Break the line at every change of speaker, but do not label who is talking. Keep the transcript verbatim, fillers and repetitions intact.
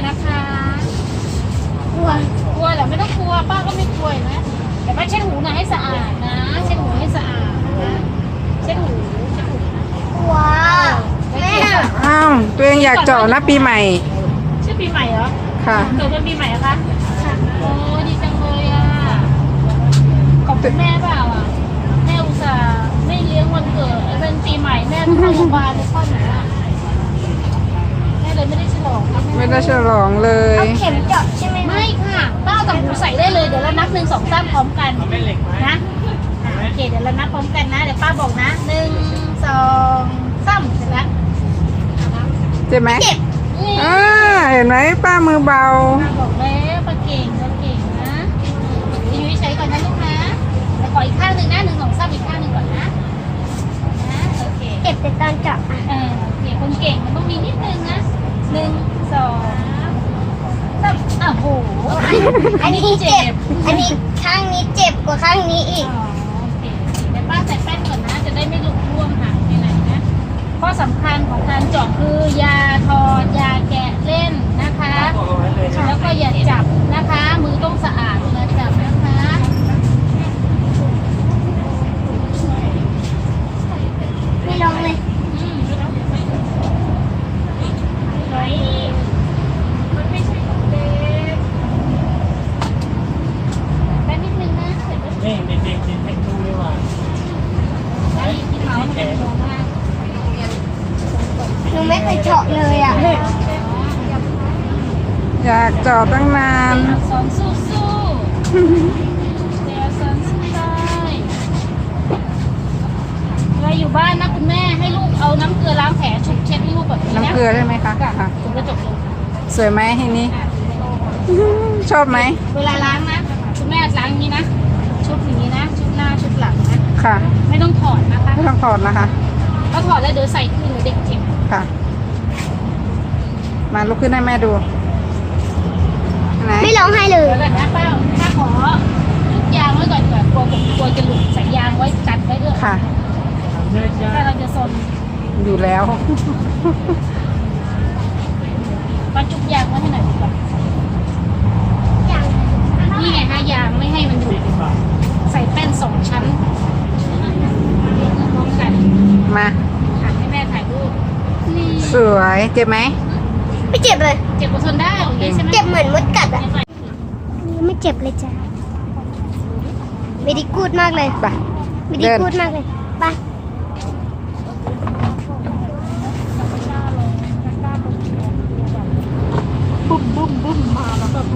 นะคะกลัวกลัวเหรอไม่ต้องกลัวป้าก็ไม่กลัวนะแต่ป้าเช็ดหูหน่อยให้สะอาดนะเช็ดหูให้สะอาดนะเช็ดหูเช็ดหูกลัวแม่
อ้าวตัวเองอยากเจาะนะปีใหม่
ชื่อปีใหม่เหรอ
ค่ะ
เกิดเป็นปีใหม่เหรอคะโอ้ดีจังเลยอ่ะขอบคุณแม่เปล่าอ่ะแม่อุตส่าห์ไม่เลี้ยงวันเกิดเป็นปีใหม่แม่เข้าโรงพยาบาลเลยพ่อหนูอ่ะแม่เลยไม่ได้ฉลอง
ไม่ได้ฉลองเลย
เข็มเจาะใช่ไหมไม่ค่ะป้าเอาต่างหูใส่ได้เลยเดี๋ยวเรานับหนึ่งสองสามพร้อมกันนะโอเคเดี๋ยวเรานับพร้อมกันนะเดี๋ยวป้าบอกนะหนึ่งสองสามเสร็จแล้ว
เจ็บไหม
เจ็บ
อ่าเห็นไหมป้ามือเบา
ป้าบอกแล้วป้าเก่งป้าเก่งนะยืนใช้ก่อนนะลูกนะแล้วขออีกข้างหนึ่งนะหนึ่งสองสามอีกข้างหนึ่งก่อนนะนะโอเคเจ็บแต่ตอนเจาะเออโอเคคนเก่งมันต้องมีนิดนึงนะหนึ่งสองสามอ้าวโหอันนี้เจ็บอันนี้ข้างนี้เจ็บกว่าข้างนี้อีกอ๋อโอเคเดี๋ยวป้าใส่แป้งก่อนนะจะได้ไม่หลุดร่วงหายไปไหนนะข้อสำคัญของการเจาะคือยาถอดยาแกะเล่นนะคะแล้วก็อย่าจับนะคะมือต้องสะอาดเวลาจับนะคะไม่ลองเลยเฮ้ยมันไม่ใช่ของเด็กแป๊บนิดนึงนะเสร็จแล้ว
นี่เด็กๆเด็กเด็กดูดีกว่า
ไอ้ที่เขามันเป็นโครงมาก
หนูไม่เคยเจาะเลยอ่ะ
อยากเจาะตั้งนาน
อักษรสู้สู้เดี๋ยวสอนสู้ได้เวลาอยู่บ้านนะคุณแม่ให้ลูกเอาน้ำเกลือล้างแผลชุบเช็ดให้ลูกแบบนี้นะ
น้ำเกลือใช่ไหมคะค่ะ
ถึงจะจบลง
สวยไหมทีนี้ ชอบไหม
เวลาล้างนะคุณแม่ล้างอย่างนี้นะชุบอย่างนี้นะชุบหน้าชุบหลังนะ
ค่ะ
ไม่ต้องถอดนะคะ
ไม่ต้องถอดนะคะ
ถ้าถอดแล้วเดี๋ยวใส่คืนเด็กเจ็บ
ค่ะ มาลุกขึ้นให้แม่ดูไหน
ไม่ร้องไห้เลย
เดี๋ยวก่อนนะป้าป้าขอลูกยางไว้ก่อนเผื่อกลัวผมกลัวจะหลุดใส่ยางไว้จัดไว้ด้วย
ค่ะ
เนื้อจ้า
ถ้าเราจะซน
อยู่แล้ว
ป้าจุ๊บยางไว้ให้หน่อยดีกว่านี่ไงฮะยางไม่ให้มันหลุดใส่แป้นสองชั้นพร้อมกัน
มา
ถ่ายให้แม่ถ่ายรูปนี่
สวยเจ็บไหม
ไม่เจ็บเลย
เจ็บกว่าทนได้โอเคใช่ไหม
เจ็บเหมือนมดกัดอ่ะไม่เจ็บเลยจ้ะไม่ได้กูดมากเลย
ไป
ไม่ได้กูดมากเลยไป
บุ้มบุ้มบุ้มมาแล้วแบบ